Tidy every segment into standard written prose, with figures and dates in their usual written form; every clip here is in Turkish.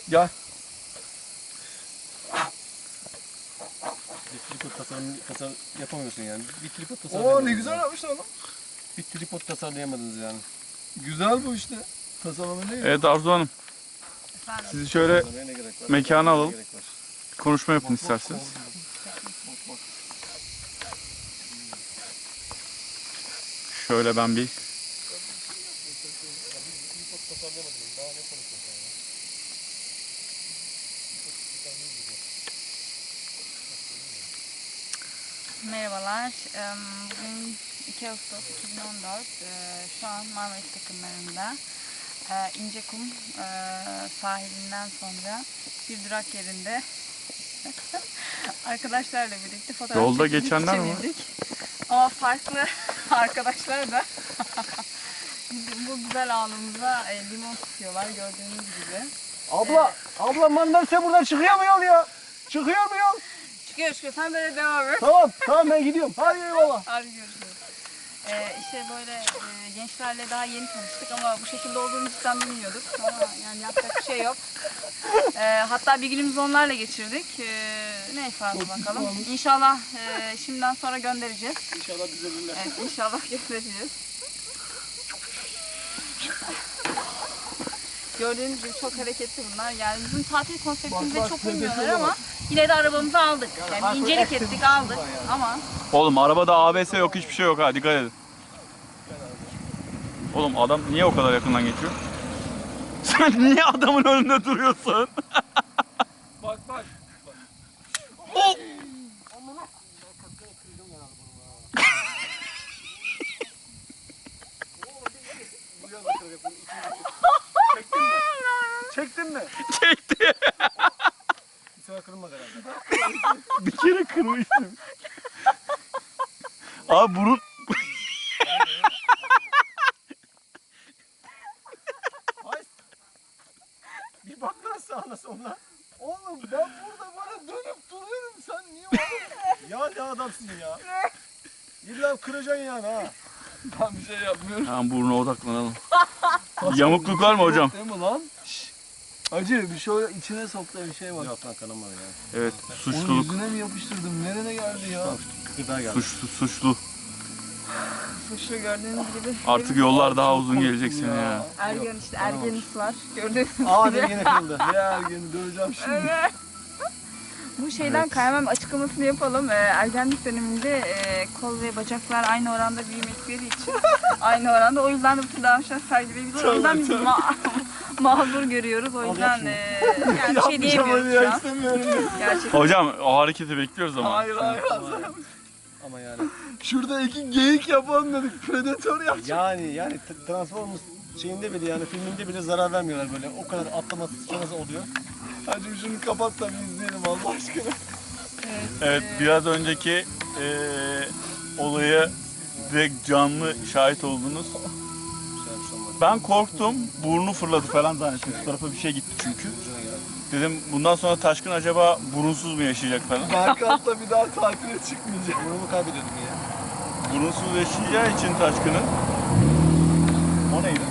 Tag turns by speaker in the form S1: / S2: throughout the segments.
S1: Gel.
S2: Bir tripod tasarım yapamıyorsun yani. Bir tripod tasarım.
S1: Oo ne güzel yapmışlar lan.
S2: Bir tripod tasarlayamadınız yani.
S1: Güzel bu işte. Tasarımı ne?
S3: Evet Arzu Hanım.
S4: Efendim?
S3: Sizi şöyle
S2: Tasarlamaya ne gerek var?
S3: mekana alalım.
S2: Ne gerek var?
S3: Konuşma yapın isterseniz. Şöyle ben bir
S4: Merhabalar. Bugün 2 Ağustos 2014. Şu an Marmaris takımlarında İncekum sahilinden sonra bir durak yerinde arkadaşlarla birlikte fotoğraf
S3: Yolda
S4: çekildik,
S3: geçenler mi var?
S4: çevirdik. Ama farklı arkadaşlar da bu güzel anımıza limon tutuyorlar gördüğünüz gibi.
S1: Abla mandalina buradan çıkıyor mu yol ya? Çıkıyor mu yol?
S4: Çıkıyor sen böyle devam et.
S1: Tamam ben gidiyorum. Hadi eyvallah.
S4: Hadi görüşürüz. İşte böyle gençlerle daha yeni tanıştık ama bu şekilde olduğumuzu cidden bilmiyorduk. Ama yani yapacak bir şey yok. Hatta bir günümüzü onlarla geçirdik. Neyse hadi bakalım. İnşallah şimdiden sonra göndereceğiz.
S1: İnşallah düzelirler.
S4: Evet inşallah göndereceğiz. Gördüğünüz gibi çok hareketli bunlar. Yani bizim tatil konseptimize çok uymuyorlar ama yine de arabamızı aldık. Yani incelik ettik aldık ama
S3: Oğlum arabada ABS yok, hiçbir şey yok ha, dikkat edin. Oğlum adam niye o kadar yakından geçiyor? Sen niye adamın önünde duruyorsun?
S1: Bak.
S3: Oh!
S1: Çektin mi?
S3: Çekti.
S2: Bir sefer kırılmadı herhalde.
S3: Bir kere kırmıştım. Abi burun...
S1: Bir bak lan sağına soluna. Oğlum ben burada bana dönüp duruyorum. Sen niye oğlum? Ya ne adamsın ya. İlla kıracaksın yani ha. Ben bir şey yapmıyorum.
S3: Tamam burnuna odaklanalım. Yamukluk var mı hocam?
S1: Değil mi lan? Şşş. Acı bir şöyle içine soktu bir şey var.
S2: Yok lan kanamadı yani.
S3: Evet,
S1: Onun
S3: suçluluk.
S1: yüzüne mi yapıştırdım? Nerene geldi ya?
S2: Gıda geldi.
S3: Suçlu.
S4: suçlu gördüğünüz gibi.
S3: Artık yollar daha uzun gelecek seni ya.
S4: Ergen işte ergenisi var gördüğünüz gibi.
S2: Aa benim yine kırıldı.
S1: Ne ergeni döveceğim şimdi.
S4: Evet. Bu şeyden kaymam açıklamasını yapalım. Ergenlik döneminde kol ve bacaklar aynı oranda büyümekleri için aynı oranda. O yüzden de bu tür davranışlar sergileyebiliriz. O yüzden biz mazur görüyoruz. O yüzden yani bir şey diyemiyoruz şu an.
S1: istemiyorum.
S4: Gerçekten.
S3: Hocam o hareketi bekliyoruz ama.
S1: Hayır.
S2: Ama yani.
S1: Şurada iki geyik yapalım dedik. Predatör yapacağız.
S2: Yani Transformers şeyinde bile yani filminde bile zarar vermiyorlar böyle. O kadar atlaması sıçraması oluyor.
S1: Hacım şunu kapat da bir izleyelim Allah aşkına.
S3: Evet, biraz önceki olaya direkt canlı şahit oldunuz. Ben korktum, burnu fırladı falan zannettim. Şu tarafa bir şey gitti çünkü. Dedim bundan sonra Taşkın acaba burunsuz mu yaşayacak falan.
S1: Berkant'la bir daha tatile çıkmayacak.
S2: Burnumu kaybediyordum ya.
S3: Burunsuz yaşayacağı için Taşkın'ın. O neydi?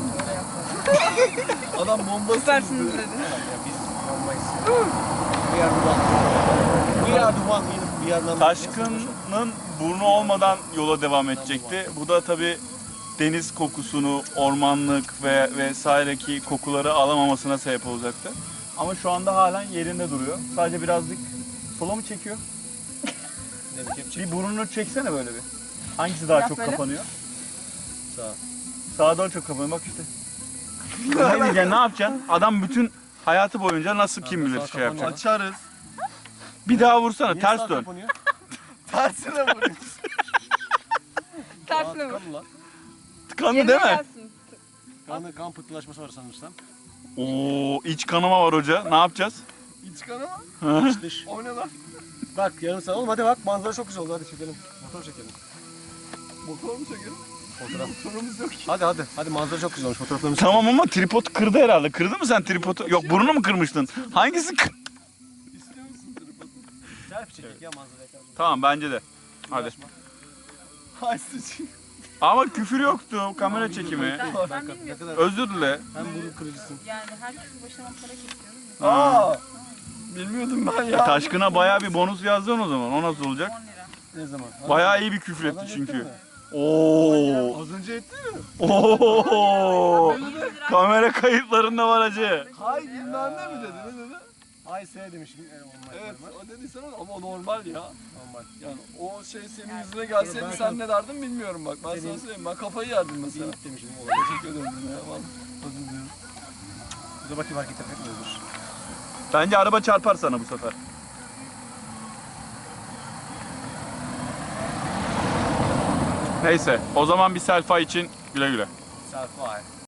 S1: Adam bombası.
S4: Süpersiniz dedi.
S2: Biz olmayız. We are the one. We are the one. We are number.
S3: Taşkın'ın burnu olmadan yola devam edecekti. Bu da tabii deniz kokusunu, ormanlık ve vesaireki kokuları alamamasına sebep olacaktı. Ama şu anda halen yerinde duruyor. Sadece birazcık sola mı çekiyor? Bir burnunu çeksene böyle bir. Hangisi daha
S4: Yap
S3: çok
S4: böyle.
S3: kapanıyor?
S2: Sağ.
S3: Sağa daha çok kapanıyor bak işte. Ne diyeceksin, ne yapacaksın? Adam bütün hayatı boyunca nasıl kim bilir şey yapacak.
S1: Açarız.
S3: Bir daha vursana,
S2: Niye
S3: ters
S2: sağ
S3: dön.
S2: kapanıyor?
S1: Tersine vuruyoruz.
S4: Tersine vur.
S2: Kanlı lan.
S3: Tıkandı değil mi?
S4: gelsin.
S2: Kan pıhtılaşması var sanırsam.
S3: Oo, iç kanama var hoca. Ne yapacağız?
S1: İç kanama.
S2: İç dış.
S1: O ne lan?
S2: Bak yarım saat oğlum hadi bak manzara çok güzel oldu hadi çekelim. Fotoğraf çekelim.
S1: Motor mu çekelim?
S2: Fotoğraf.
S1: Motorumuz yok ki.
S2: Hadi manzara çok güzel olmuş fotoğraflarımız.
S3: Tamam ama tripod kırdı herhalde. Kırdı mı sen tripodu? Yok, burnunu mu kırmıştın? Hangisi kır?
S1: İstiyor musun tripodu?
S2: Selfie çektik ya manzaraya karşı.
S3: Tamam bence de. Hadi.
S1: Hay sıçayım.
S3: Ama küfür yoktu. Kamera çekimi.
S4: Ben bilmiyorum.
S3: Özür dile.
S2: Hem burun kırıcısın.
S4: Yani herkesin başına para kesiyoruz.
S1: Aa! Bilmiyordum ben ya.
S3: Taşkın'a bayağı bir bonus yazdın o zaman. O nasıl olacak?
S4: 10 lira.
S1: Ne zaman?
S3: Bayağı iyi bir küfür
S1: Az
S3: etti
S1: önce
S3: çünkü.
S1: ettin mi?
S3: Oo.
S1: Az önce etti mi?
S3: Oo.
S4: 100 lira.
S3: Kamera kayıtlarında var hacı.
S1: Hay bilmem ne mi dedi? Ne dedi? Hay S demişim. Evet o dediysen ama normal ya.
S2: Normal.
S1: Yani o şey senin yüzüne gelseydi sen ne derdin bilmiyorum bak. Ben sana söyleyeyim. Ben kafayı yerdim mesela.
S2: İyi demişim.
S1: Teşekkür ederim ya. Vallahi özür dilerim.
S2: Dur bakayım hareket etmiyordur.
S3: Bence araba çarpar sana bu sefer. Neyse, o zaman bir selfie için güle güle.
S2: Selfie.